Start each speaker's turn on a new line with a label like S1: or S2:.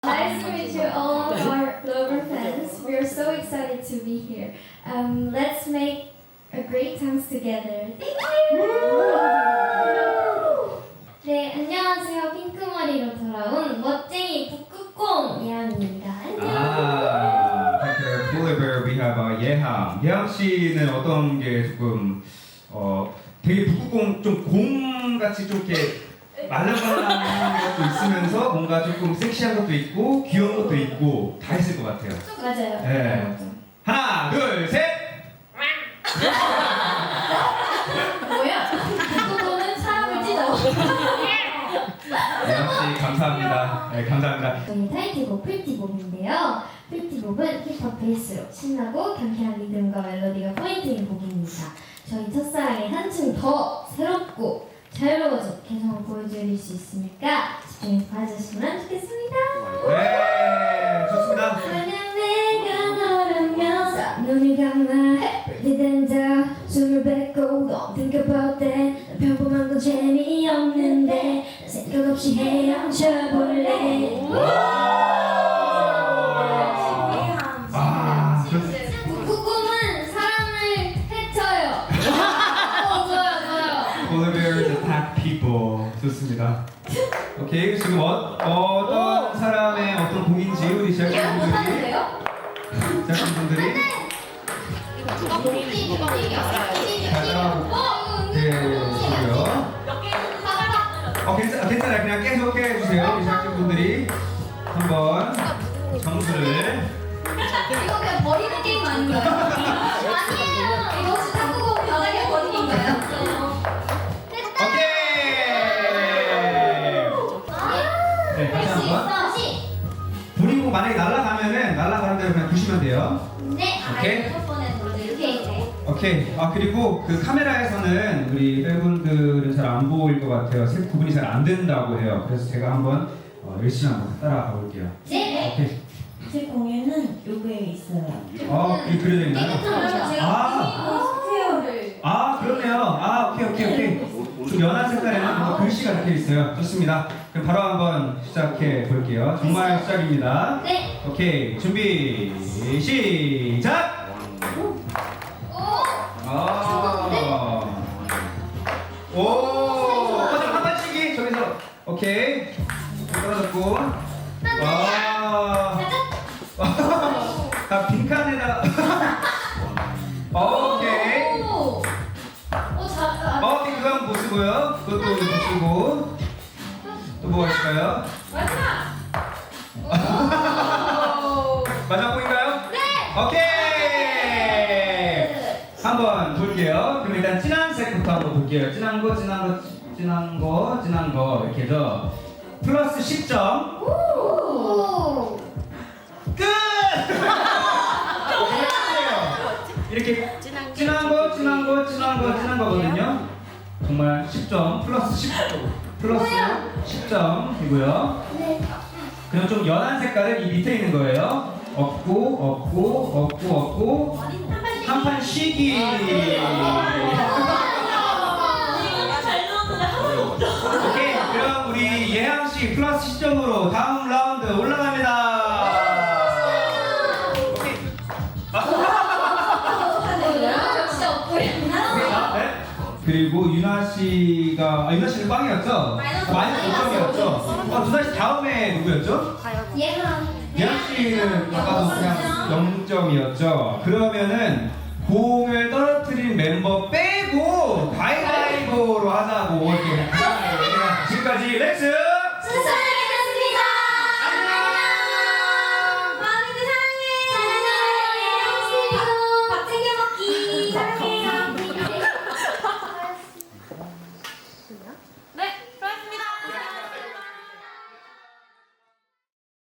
S1: Nice to meet you, all of our Glover fans. We are so excited to be here. Let's make a great time together. Thank you. 네, 안녕하세요. 핑크머리로 돌아온 멋쟁이 북극곰 예항입니다. 안녕.
S2: Thank you, Glover. We have 예항. 예항 씨는 어떤 게 조금 되게 북극곰 좀 곰같이 좀 이렇게 말랑말랑한 것도 있으면서 뭔가 조금 섹시한 것도 있고 귀여운 것도 있고 다 있을 것 같아요.
S1: 맞아요.
S2: 네. 하나, 둘, 셋.
S1: 뭐야? 북극곰은 사람을 찢어.
S2: 예항 씨 감사합니다. 네, 감사합니다.
S1: 저희 타이틀곡 프리티봄인데요. 프리티봄은 힙합 베이스로 신나고 경쾌한 리듬과 멜로디가 포인트인 곡입니다. 저희 첫사랑이 한층 더 새롭고 자유로워진 개성을 보여드릴 수 있으니까 집중해서 봐주시면 좋겠습니다.
S2: 네, 좋습니다.
S1: 만약 내가 너라면 눈을 감아 pretty than 숨을 뱉고 Don't think about that 평범한 건 재미없는데 생각 없이 헤엄쳐볼래. 북극곰은 사람을 해쳐요. 좋아요.
S2: Glover's attack people. 좋습니다. 오케이, 지금 어떤 사람의 어떤 곡인지 우리 제작진분들이 괜찮아요. 그냥 계속 해주세요. 우리 제작진분들이 한번 점수를.
S1: 이거 그냥 버리는 게임 아닌가요? 아니에요. 이거 혹시 탁구공 바닥에 버리는 거예요?
S2: 오케이. 네, 다시 한번. 버리고 만약에 날아가는 대로 그냥 두시면 돼요.
S1: 네.
S2: 오케이.
S1: 첫 번에 이렇게.
S2: 오케이. 그리고 그 카메라에서는 우리 팬분들은 잘 안 보일 것 같아요. 색 구분이 잘 안 된다고 해요. 그래서 제가 한번 열심히 한번 따라가 볼게요.
S1: 네.
S2: 오케이.
S3: 제 공예는 요거에 있어요.
S2: 이 그려져 있나요? 그러네요. 오케이. 좀 연한 색깔에는 뭔가 글씨가 적혀 있어요. 좋습니다. 그럼 바로 한번 시작해 볼게요. 정말 시작입니다.
S1: 네.
S2: 오케이. 준비, 시작! 한 발치기 저기서. 오케이. 떨어졌고. 빈칸에다. 오케이. 그거 한번 보시고요. 그것도 보시고. 또 뭐가 있을까요? 마지막 곡인가요? 네. 오케이. 한번 볼게요. 그럼 일단 진한 색부터 한번 볼게요. 진한 거 이렇게 해서 플러스 10점. 끝! 이렇게 진한 거거든요. 정말 10점 플러스 10점이고요.
S1: 네.
S2: 그럼 좀 연한 색깔은 이 밑에 있는 거예요. 없고 한 판 쉬기. 오케이, 그럼 우리 예항 씨 플러스 10점으로 다음 라운드 올라갑니다. 그리고 유나 씨는 꽝이었죠? 마이너스 5점이었죠? 두나 씨 다음에 누구였죠? 예항 씨는 아까도 그냥 0점이었죠? 그러면은 공을 떨어뜨린 멤버 빼고 가위바위보로 하자고 이렇게. 지금까지 렉스